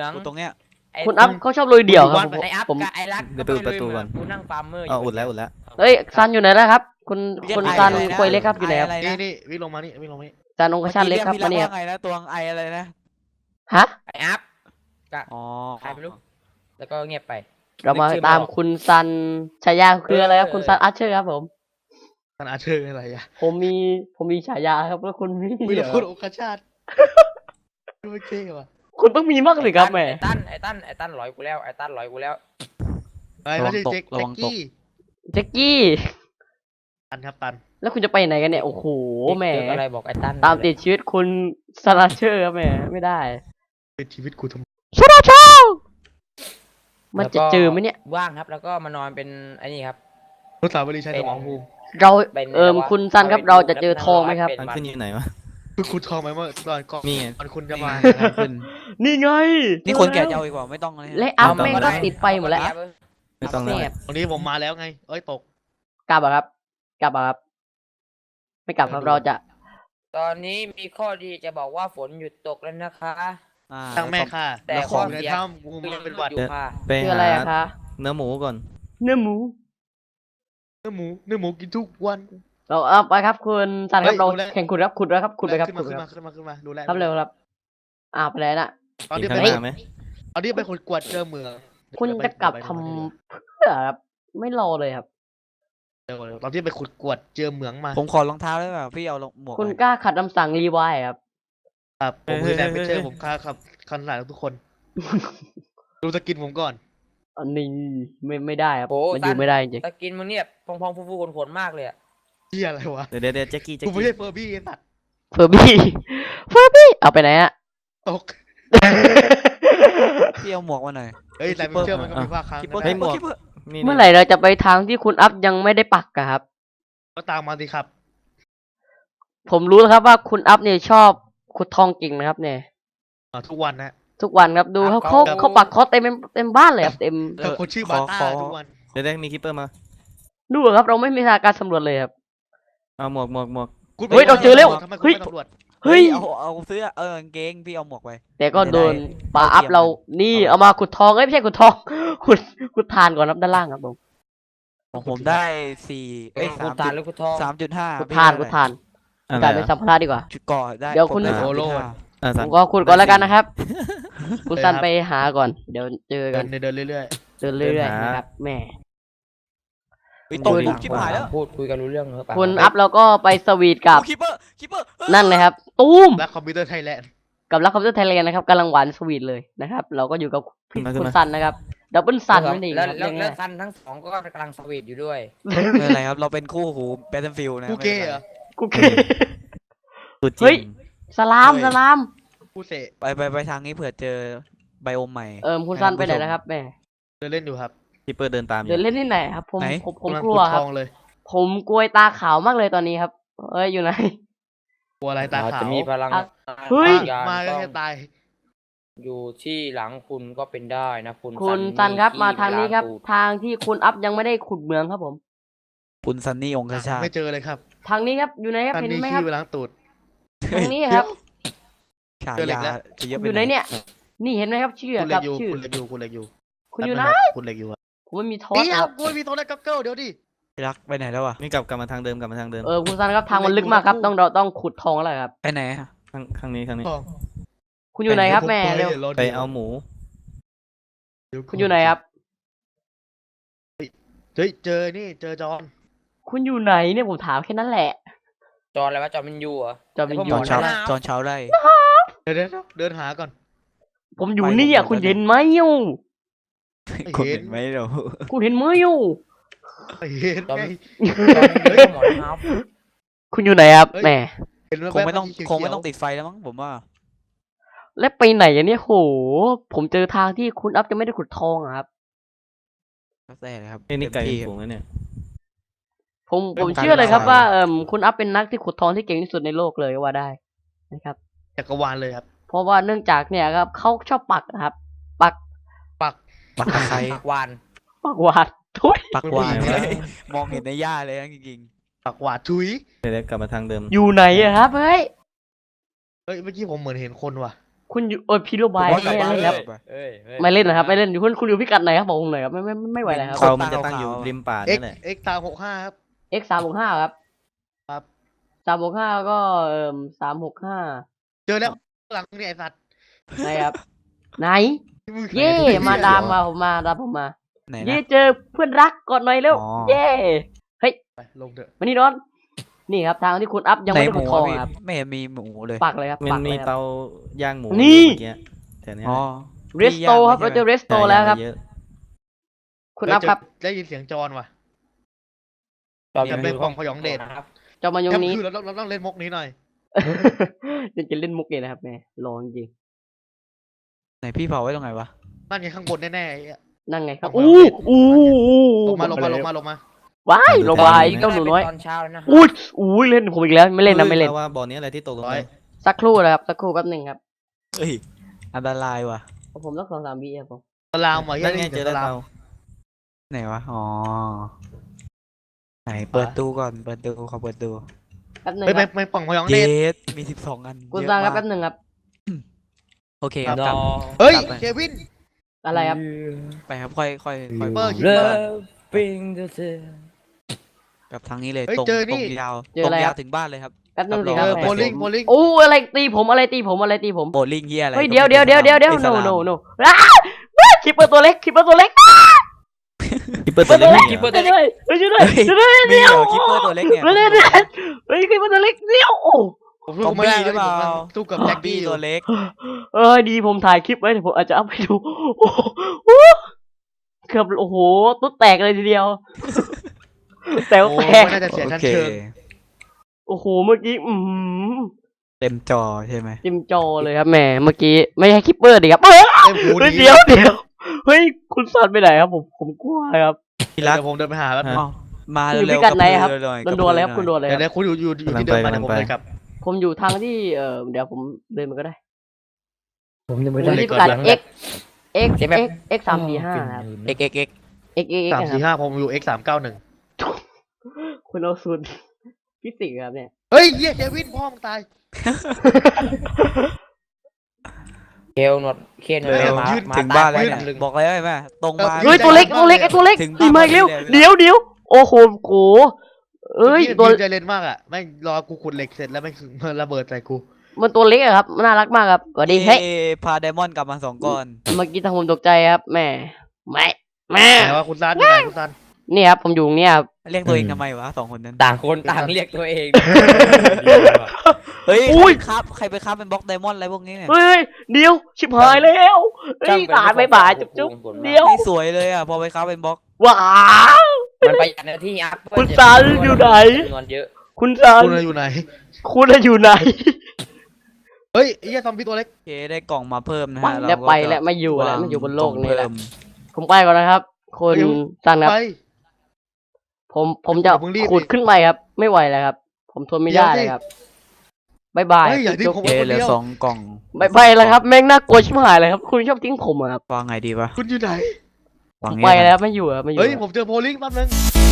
องตรงเนี้ยคุณอัพเขาชอบลุยเดี่ยวครับไออัพผมกับไอรักเดี๋ยวเปิดประตูก่อนกูนั่งฟาร์มเมอร์อุดแล้วอุดแล้วเอ้ยซันอยู่ไหนแล้วครับ คุณเรียกคุณไอซันอะไรนะควยเล็กครับอยู่ไหนครับไออะไรนี่นะนี่วิ่งลงมานี่วิ่งลงมานี่ซันองคชันเล็กครับพี่มาเนี่ยว่าไงนะตัวไออะไรนะฮะไออัพกับอ๋อใครไม่รู้แล้วก็เงียบไปเรามาตามคุณซันฉายาคืออะไรครับคุณซันอาร์เชอร์ครับผมท่านอาเชิญอะไรอ่ะผมมีฉายาครับแล้วคุณมีมีแต่พูดโอกาชาติไม่เท่ว่ะคุณต้องมีมากเลยครับแหม่ไอตันร้อยกูแล้วไอตันร้อยกูแล้วไอ้ไม่ใช่เจ๊กกี้แจ็คกี้ตันครับตันแล้วคุณจะไปไหนกันเนี่ยโอ้โหแหมเจออะไรบอกไอตันตามติดชีวิตคุณซันอาร์เชอร์ครับแหมไม่ได้เป็นชีวิตกูทำไมซันอาร์เชอร์มันจะเจอไหมเนี่ยว่างครับแล้วก็มานอนเป็นไอ้นี่ครับรถสาวบริชัยสมองภูมิเราเป็นคุณซันครับเราจะเจอทองไหมครับเป็นทางขึ้นอยู่ไหนวะคือคุณทองไหมเมื่อตอนก่อนนี่ไงก่อนคุณจะมาทางขึ้นนี่ไงนี่คนแก่จะเอาอีกว่าไม่ต้องเลยและอัพแม่งก็ติดไฟหมดแล้วไม่ต้องแล้วแสบตรงนี้ผมมาแล้วไงเอ้ยตกกลับอะครับ กลับอะครับ ไม่กลับครับเราจะตอนนี้มีข้อดีจะบอกว่าฝนหยุดตกแล้วนะคะอ่าตั้งแม่ค่ะแต่แล้วขข้อองในเสียถ้ำกูมันเป็นหวัดอยู่ค่ะไปคือหาอะไรอะคะเนื้อหมูก่อนเนื้อหมูเนื้อหมูกินทุกวันเราเอาไปครับคุณซันครับเฮ้ยเราดูแลแข่งขุดครับขุดแล้วครับขุดไปครับขึ้นขุมาดขึ้นคมารับขึ้นมาขึ้นมาดูแลครับเร็วครับไปไหนน่ะตอนกินี้นไปข้างหน้าไหมตอนนี้ไปคนกวดเจอเมืองคุณจะกลับทำเพื่อครับไม่รอเลยครับตอนที่ไปขุดกวดเจอเหมืองมาผมขอรองเท้าได้ป่ะพี่เอาหมวกคุณไปกล้าขัดคำสั่งรีไวล์ครับครับผมคือแดนไม่เจอผมค่าครับคันหลายทุกคน ดูสกินผมก่อนอันนี้ไม่ได้ครับโอ้มันอยู่ไม่ได้จริงตะกินมึงเนี่ยพองๆฟูๆขนๆมากเลยอะเฮียอะไรวะเดี๋ยวแจ็คกี้แจ็คกูไม่กี้ใช่เฟอร์บี้ไอ้สัตว์เฟอร์บี้เฟอร์บี้เอาไปไหนอะตกพี่เอาหมวกมาหน่อยเฮ้ยแต่ไม่เชื่อมันก็มีภาคค้างคิปเปอร์นะคิปเปอร์คิปเปอร์นี่เมื่อไหร่เราจะไปทางที่คุณอัพยังไม่ได้ปักอะครับก็ตามมาสิครับผมรู้แล้วครับว่าคุณอัพเนี่ยชอบขุดทองเก่งนะครับเนี่ยทุกวันนะทุกวันครับดูเขาปักคอเต็มบ้านเลยครับเต็มแต่คนชื่อบาต้าทุกวันเดี๋ยวมีคิปเปอร์มาดูครับเราไม่มีการสำรวจเลยครับเอาหมวกคุณเฮ้ยเราเจอแล้วทำไมคุณเฮ้ยไม่ตำรวจเฮ้ยเอาเสื้อกางเกงพี่เอาหมวกไปแต่ก็โดนปลาอัพเรานี่เอามาขุดทองเอ้ยไม่ใช่ขุดทอง ขุดทานก่อนครับด้านล่างครับผมของผมได้สี่เอ้ยคุณตาลหรือคุณทอง 3.5 ขุดทานขุดทานอะไรกลายเป็นสัมภาระดีกว่าจุดก่อได้เดี๋ยวคุณผมไโอโล 3.5 อ่ะผสั่งมก็ขุดก่อนแล้วกันนะครับคุณซันไปหาก่อน เดี๋ยวเจอเดิกันนเดินเรื่อยเดินเรื่อยๆนะครับแหม่เฮ้ยตกปุ๊บชิบหายแล้วพูดคุยกันรู้เรื่องเหรอคุณอัพเราก็ไปสวีทกับคิปเปอร์นั่นเลยครับตุ้มๆ และคอมพิวเตอร์ไทยแลนด์กับรักคอมพิวเตอร์ไทยแลนด์นะครับกำลังหวานสวีทเลยนะครับ เราก็อยู่กับคุณซันนะครับดับเบิลซันนั่นเองแล้วครับแล้วยังไงแล้วซันทั้งสองก็กำลังสวีทอยู่ด้วยไม่เป็นไรครับเราเป็นคู่หูแบทเทิลฟิลด์นะกูเกย์เหรอกูเกสุดจเฮ้ริยงสลามสลามกูเสะไปทางนี้เผื่อเจอไบโอมใหม่คุณซันไปไหนนะครับแหม่เดินเล่นอยู่ครับคิปเปอร์เดินตามอเดิยู่นเล่นที่ไหนครับผมไหนผมกำลังกลัวขุดครัทบองเลยผมกลัวตาขาวมากเลยตอนนี้ครับเอ้ยอยู่ไหนกลัวอะไรตาเราขาวจะมีพลังอ่ะเฮ้ยมาก็ต้องแค่ตายอยู่ที่หลังคุณก็เป็นได้นะคุณคุณซันครับขี้มาทางนี้ครับล้ตูดทางที่คุณอัพยังไม่ได้ขุดเหมืองครับผมคุณซันนี่องคชาติไม่เจอเลยครับทางนี้ครับอยู่ไหนครับท่านเห็นมีไหมครัขี้บไปล้างตูดตรงนี้ครับฉาเจอเหล็กยาแล้วจะเยอะอไปยู่ไหนเนี่ย นี่เห็นไหมครับชื่อคุณเหล็กับกอยู่ชื่อคุณเหล็กอยู่คุณเหล็กอยู่คุณอยู่ไหนคุณเหล็กอยู่อะผมไม่มีทอสเดี๋ยคว รับกูไม่มีโทรศัพท์กับเกิลเดี๋ยวดิพี่รักไปไหนแล้วอ่ะนี่กลับมาทางเดิมกลับมาทางเดิมคุณซันครับทางมันลึกมากครับเราต้องขุดทองแล้วครับไปไหนอะข้างนี้ทองคุณอยู่ไหนครับแม่เร็วไปเอาหมูคุณอยู่ไหนครับเฮ้ยเจอนี่เจอจอนคุณอยู่ไหนเนี่ยผมถามแค่นั้นแหละจออะไรวะจอมินยูเหรอจอมินยูตอนเช้าหนาวตอนเช้าได้เดินหาก่อนผมอยู่นี่อ่ะคุณเห็นไหมอยู่คุณเห็นไหมเราคุณเห็นไหมอยู่เห็นไงจอมินยูก็หมอนเท้าคุณอยู่ไหนครับเฮ้ยแหม่เห็นแว๊บๆคงไม่ต้องเขียวๆคงไม่ต้องติดไฟแล้วมั้งผมว่าแล้วไปไหนอ่ะเนี่ยโห ผมเจอทางที่คุณอัพจะไม่ได้ขุดทองอะครับแล้วแต่เลยครับนี่ไก่เต็มที่ฝูงแล้วเนี่ยผมเชื่อเลยครับว่าคุณอัพเป็นนักที่ขุดทองที่เก่งที่สุดในโลกเลยก็ว่าได้นะครับจักรวาลเลยครับเพราะว่าเนื่องจากเนี่ยครับเขาชอบปักนะครับ ปักปักตะไคร้วานปักหวาดทุยปักหวานไม่ไหวมองเห็นในหญ้าเลยนะจริงปักหวาดทุยเดี๋ยวกลับมาทางเดิมอยู่ไหนอะครับเฮ้ยเฮ้ยเมื่อกี้ผมเหมือนเห็นคนว่ะคุณอยู่พี่โรบายผมว่าไม่กลับบ้านเล่นแล้วเอ้ยไม่เล่นนะครับไม่เล่นอยู่คุณอยู่พิกัดไหนครับบอกผมหน่อยครับไม่ไหวแล้วครับเขามันจะตั้งอยู่ริมป่าเอ็นั่กนแหละเอ็กตาม65ครับ x 365ครับครับ 365ก็365 เจอแล้วหลังเนี่ยไอ้สัตว์ไหนครับไหนมึงเย่มาดามมาผมมาดามผมมาไหนเย่นะเจอเพื่อนรักก่อนหน่อยเร็วอ๋อเย่เฮ้ยไปลงเถอะมานี่นอนนี่ครับทางที่คุณอัพยังไหนไม่ได้หขุมูดทองอะพี่ครับไม่เห็นมีหมูเลยปักเลยครับมันปักเลมียครับเตาย่างหมูนี่อยู่เมื่อกี้แถวเนี้ยอ๋อเรสโตครับเราเจอเรสโตแล้วครับเยอะคุณอัพครับได้ยินเสียงจอนว่ะตอนจำเป็นของพยองเดชครับเจ้ามายงนี้คือเราต้องเล่นมุกนี้หน่อยยังจะเล่นมุกเลยนะครับแม่รอจริงไหนพี่เผาไว้ตรงไหนวะนั่นไงข้างบนแน่ๆไอ้เหี้ยๆนั่งไงครับผมอู้เอาอู้ลงมาว้ายลงมาอีกเจ้าหนูน้อยตอนเช้าแล้วนะอุ้ยเล่นผมอีกแล้วไม่เล่นนะไม่เล่นฮ้ยแปว่าบ่อนี้อะไรที่ตกลงไปสักครู่นะครับสักครู่แป๊บหนึ่งครับเอ้ยอันตรายว่ะผมต้อง2-3 วิครับผมตะลาวมาเหี้นั่ยนไงได้ยินเจเสีอยงแล้วตะลาวเตาไหนวะอ๋อไหนเปิดตู้ก่อนเปิดตู้ขอเปิดตู้แป๊บหนึ่งเฮ้ยคไม่รับไม่ฝั่งพยองเยเดชสมี12 อันคุณเยอะซังครับมากแป๊บหนึ่งครับโอเคครับรกลับอเฮ้ยกลับไปเควินอะไรครับไปครับค่อยเปิดเริ่มปิ้งเธอกับทางนี้เลยเฮ้ยตรงเจอตนี่รงยาวเจอตรอะไรงคยารัวบถึงบ้านเลยครับแป๊บหนึงสิรับครรัอบ งโบลิ่งโบลิ่งโอ้อะไรตีผมอะไรตีผมอะไรตีผมโบลิ่งเฮียอะไรเฮ้ยก็เดี๋ยวไม่เดี๋ยวป็เดี๋ยวเดี๋ยวเดี๋ยวอิส no ลาม no no คิปเปอร์ตัวเล็กคิปเปอร์ตัวเล็กคิปเปอร์ตัวเล็กคิปเปอร์ช่วยด้วยช่วยด้วยช่วยด้วยมีเหรอคิปเปอร์ตัวเล็กเนี่ยช่วยด้วยเฮ้ยคิปเปอร์ตัวเล็กเดียวโอ้ผมสู้ไม่ได้ซอมบี้หรือเปล่าผมสู้กับแจ็คบี้กี้อยู่ตัวเล็กดีผมถ่ายคลิปไว้เดี๋ยวผมอาจจะเอาไปดูโอ้โหเกือบโอ้โหตุ๊ดแตกเลยทีเดียวแต่โอ้แตกไม่น่าจะเสียโอชั้นเคเชิงโอ้โหเมื่อกี้เต็มจอใช่ไหมจิ้มจอเลยครับแหมเมื่อกี้ไม่ใช่คิปเปอร์ดิครับเต็มหูเฮ้ยดีเดี๋ยวเฮ้ยคุณซันไปไหนครับผมกลัวครับพี่รักเดี๋ยวผมเดินไปหาแล้วอ้าวมาอยู่เร็พิวกัดไหนครับกะพือหอยโดนอะไรครับคุณโดนอะไรคเดี๋ยรัวบคุณอยู่ที่เดิมมาเดี๋ยวผมเลยครับผมอยู่ทางที่เดี๋ยวผมเดินมันก็ได้ผมยังไม่ผมได้ที่พิกัดเอ็ x x x x 345ครับเอ็ก x x x สามนะสี่ครับห้าผมอยู่ X 391 คุณเอาสูตรฟิสิกส์ครับเนี่ยเฮ้ยเหี้ยเควินพ่อมึงตายเคลหนวดเคลหนวดเออมายืดมาถึงบ้านแล้วตเนี่ยลึงบอกเลยไหมตรงมาเออเฮ้ยตัวเล็กตัวเล็กไอ้ตัวเล็กถึงตีมาอีกเร็วบ้านเดี๋ยวโอ้โหโกเอ้ยตัตัว วใจเล่นมากอ่ะแม่งรอกูขุดเหล็กเสร็จแล้วแม่งมันระเบิดใส่กูมันตัวเล็กอะครับน่ารักมากครับสวัสดีเฮ้ยพาไดมอนด์กลับมา2 ก้อนเมื่อกี้ทางผมตกใจครับแม่แม่แต่ว่าคุณซันอยู่ไหนคุณซันนี่ครับผมอยู่ตรงเนี้ยครับเรียกตัวเองทำไมวะ2 คนนั้นต่างคนต่างเรียกตัวเองเฮ้ยอุ้ยใครไปครับเป็นบล็อกไดมอนด์อะไรพวกนี้เนี่ยเฮ้ยเดี๋ยวชิบหายแล้วเฮ้ยตายไปบ่ายจุ๊บเดี๋ยวไม่สวยเลยอ่ะพอไปครับเป็นบล็อกว้าวมันประหยัดหน้าที่อัพคุณซันอยู่ไหนจำนวนเยอะคุณซันคุณอยู่ไหนคุณอยู่ไหนเฮ้ยไอ้เหี้ยซอมบี้ตัวเล็กโอเคได้กล่องมาเพิ่มนะไปฮะแล้วเราก็ไปจะแล้วไม่อยู่แล้ววางไม่อยู่บนโลกนี้ล่องแล้วเพิ่มผมไปก่อนนะครับคุณซันครับไปผมจะอย่าเพิ่งรีบขุดขึ้นไปครับ ไม่ไหวแล้วครับ ผมทนไม่ได้เดี๋ยวสิเลยครับบายบายเฮ้ยอย่าทิ้งจุ๊บผมโอเคเหลือ2 กล่องบายบายแล้วครับแม่งน่ากลัวชิบหายเลยครับ คุณชอบทิ้งผมอะครับวางไงดีวะคุณอยู่ไหนวางผมเงี้ไปยแล้วไม่อยู่อะไม่อยู่เฮ้ยอะผมเจอโพลิงแป๊บนึง